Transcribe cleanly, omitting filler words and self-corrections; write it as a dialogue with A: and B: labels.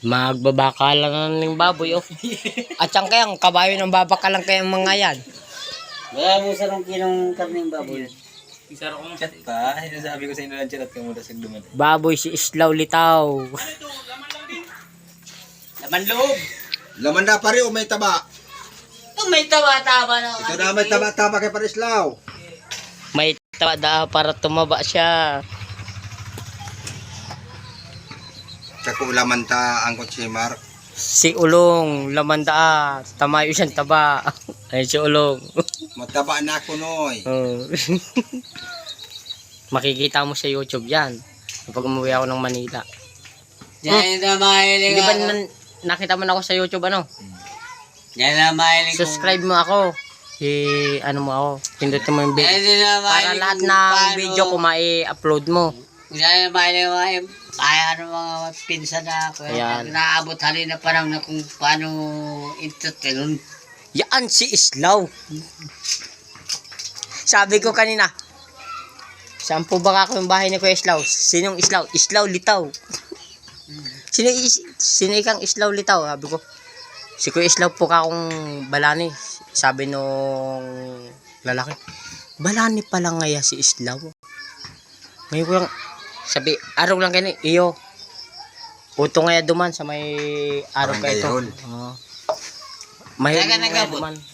A: Magbabakalan ng baboy, oh. At saan kayang kabayo ng babakalan kayang mga yan?
B: Wala mo sa rong kilong karning baboy.
C: Isara kong chat pa. Sinasabi ko sa inyo ng chat at kamulas yung duman.
A: Baboy si Islaw Litaw.
B: Laman loob.
D: Laman na pare o may taba.
B: Ito may taba-taba na.
D: Ito na may taba-taba kay Parislaw.
A: May taba para tumaba siya.
D: Kako laman ta ang kutsimar.
A: Si Ulong, lamanda, tamayo siyang taba. Ay, si Ulong.
D: Mataba na ako noy.
A: Oh. Makikita mo sa YouTube yan. Kapag umuwi ako ng Manila.
B: Yan na mahilig
A: Hindi ba
B: ako.
A: nakita mo na ako sa YouTube, ano?
B: Yan na mahilig ko.
A: Subscribe mo ako. Ano mo ako. Pindutin mo yung
B: Yan
A: video.
B: na
A: Para
B: mahilig
A: lahat
B: kung
A: ng
B: paano-
A: video ko mai-upload mo.
B: Yan na mahilig ko. Kaya ano mga pinsan na ako.
A: Ayan.
B: Naabot halin na parang na kung paano entertain.
A: Yan si Islaw. Sabi ko kanina, saan po ba ako yung bahay ni Kuya Islaw? Sinong Islaw? Islaw Litaw. Sino ikang Islaw Litaw? Sabi ko, si Kuya Islaw po ka akong balani. Sabi nung lalaki, balani pala ngaya si Islaw. Ngayon ko yung, sabi, araw lang kayo, iyo. Uto ngaya duman sa may araw
D: Parang
A: kayo ito.
D: gayon.
A: May
B: Taga nagabot.
A: duman.